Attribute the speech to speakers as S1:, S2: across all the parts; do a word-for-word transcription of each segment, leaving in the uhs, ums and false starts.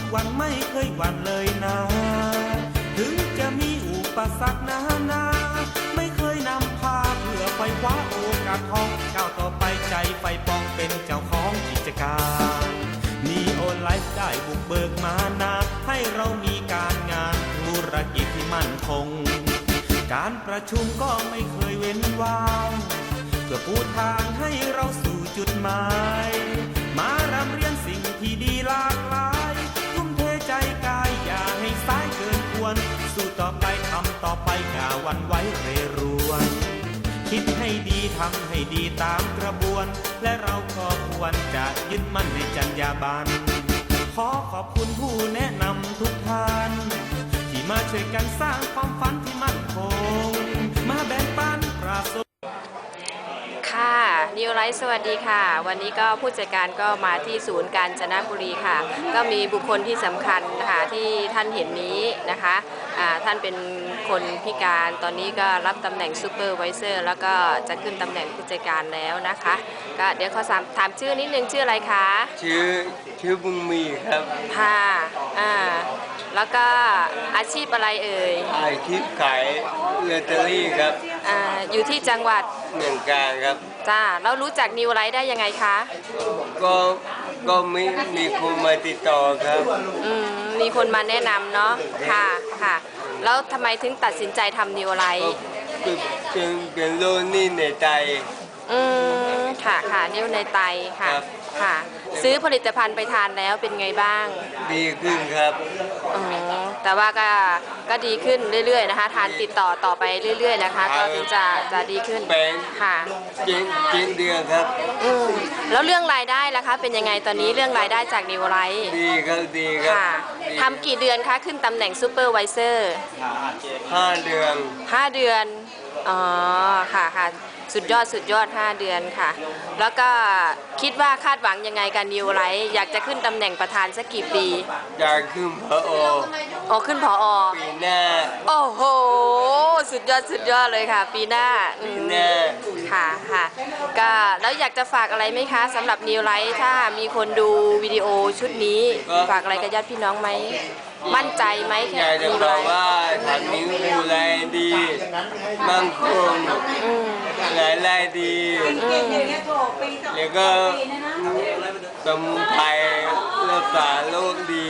S1: กวันไม่เคยหวั่นเลยนะถึงจะมีอุปสรรคนานาไม่เคยนำพาเพื่อไฟคว้าโอกาสทองก้าวต่อไปใจไฟปองเป็นเจ้าของกิจการนีโอไลฟ์ได้บุกเบิกมานาให้เรามีการงานธุรกิจที่มั่นคงการประชุมก็ไม่เคยเว้นว่างเพื่อปูทางให้เราสู่จุดหมายมารำเรียนสิ่งที่ดีหลากหลายทุ่มเทใจกายอย่าให้สายเกินควรสู้ต่อไปทำต่อไปอย่าหวั่นไหวเรรวนคิดให้ดีทำให้ดีตามกระบวนและเราก็ควรจะยึดมั่นในจรรยาบรรณขอขอบคุณผู้แนะนำทุกท่านที่มาช่วยกันสร้างความฝันที่มั่นคงมาแบ่งปันประสบ
S2: ค่ะนิวไลท์สวัสดีค่ะวันนี้ก็ผู้จัดการก็มาที่ศูนย์กาญจนบุรีค่ะก็มีบุคคลที่สำคัญนะคะที่ท่านเห็นนี้นะคะะท่านเป็นคนพิการตอนนี้ก็รับตำแหน่งซูเปอร์ไวเซอร์แล้วก็จะขึ้นตำแหน่งผู้จัดการแล้วนะคะก็เดี๋ยวขอถามชื่อนิดนึงชื่ออะไรคะ
S3: ชื่อชื่อบุญมีครับ
S2: ค่ะอ่าแล้วก็อาชีพอะไรเอ่ย
S3: อาชีพขายลอตเตอรี่ครับ
S2: อ่าอยู่ที่จังหวัด
S3: เมืองกาญครับ
S2: จ้าแล้วรู้จักนิวไลท์ได้ยังไงคะ
S3: ก็ก็มีมีคนมาติดต่อครับ
S2: อืมมีคนมาแนะนำเนาะค่ะค่ะแล้วทำไมถึงตัดสินใจทำนิวไลท์
S3: เป็นเป็นโรคนี่ในใจ
S2: อืมค่ะค่ะนิ้วในไตค่ะค่ะซื้อผลิตภัณฑ์ไปทานแล้วเป็นไงบ้าง
S3: ดีขึ้นครับ
S2: อ๋อแต่ว่าก็ก็ดีขึ้นเรื่อยๆนะคะทานติดต่อต่อไปเรื่อยๆนะคะก็ถึงจะจะดีขึ้นค่ะ
S3: จริงจริงเดือนครับ
S2: อืมแล้วเรื่องรายได้ล่ะคะเป็นยังไงตอนนี้เรื่องรายได้จากนิวไลท์
S3: ดีครับดีครับ
S2: ค่ะทำกี่เดือนคะขึ้นตำแหน่งซูเปอร์ไวเซอร์
S3: ห้าเดือน
S2: ห้าเดือนอ๋อค่ะค่ะสุดยอดสุดยอดห้าเดือนค่ะแล้วก็คิดว่าคาดหวังยังไงกับนิวไลท์อยากจะขึ้นตำแหน่งประธานสักกี่ปี
S3: อยากขึ้นผอ.
S2: อ๋อขึ้นผอ.
S3: ปีหน้า
S2: โอ้โหสุดยอดสุดยอดเลยค่ะปีหน้า
S3: ปีหน้า
S2: ค่ะค่ะก็แล้วอยากจะฝากอะไรไหมคะสำหรับนิวไลท์ถ้ามีคนดูวิดีโอชุดนี้ฝากอะไรกับญาติพี่น้องไหมมั่นใจไหม
S3: อยากจะบอกว่าทำนิ้วดูแลดีมั่งคงรายได้ดีแล้วก็สมุนไพรรักษาโรคดี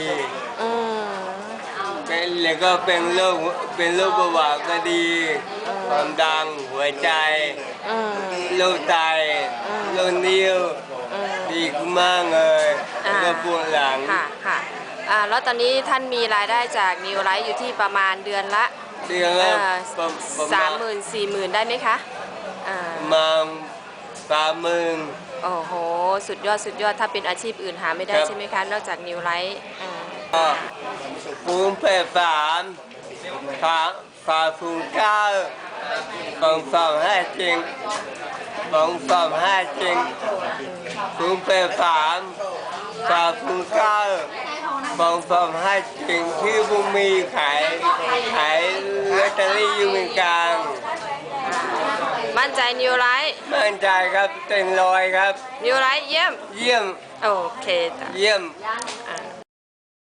S3: แล้วก็เป็นโรคเป็นโรคเบาหวานก็ดีความดันหัวใจโรคไตโรคนิ้วดีมากเลยแล้วก็ปวดหลัง
S2: ค่ะค่ะแล้วตอนนี้ท่านมีรายได้จากนิวไลท์อยู่ที่ประมาณเดือนละ
S3: เดือนละ
S2: สามหมื่นสี่หมื่นได้ไหมคะ
S3: มาสามหมื่น
S2: โอ้โหสุดยอดสุดยอดถ้าเป็นอาชีพอื่นหาไม่ได้ใช่ไหมคะนอกจากนิวไลท์
S3: ฟูงเพศสามฝาฝาฟูงเก้าฟองฟองห้าจริงฟองฟองห้าจริงฟูงเพศสามฝาฟูงเก้าฟองฟองห้าจริงชื่อบุญมีขายขายลอตเตอรี่อยู่เมืองกาญ
S2: มั่นใจนิวไลท์
S3: มั่นใจครับเต็มร้อยครับ
S2: นิวไลท์เยี่ยม
S3: เยี่ยม
S2: โอเคจ้ะ
S3: เยี่ยม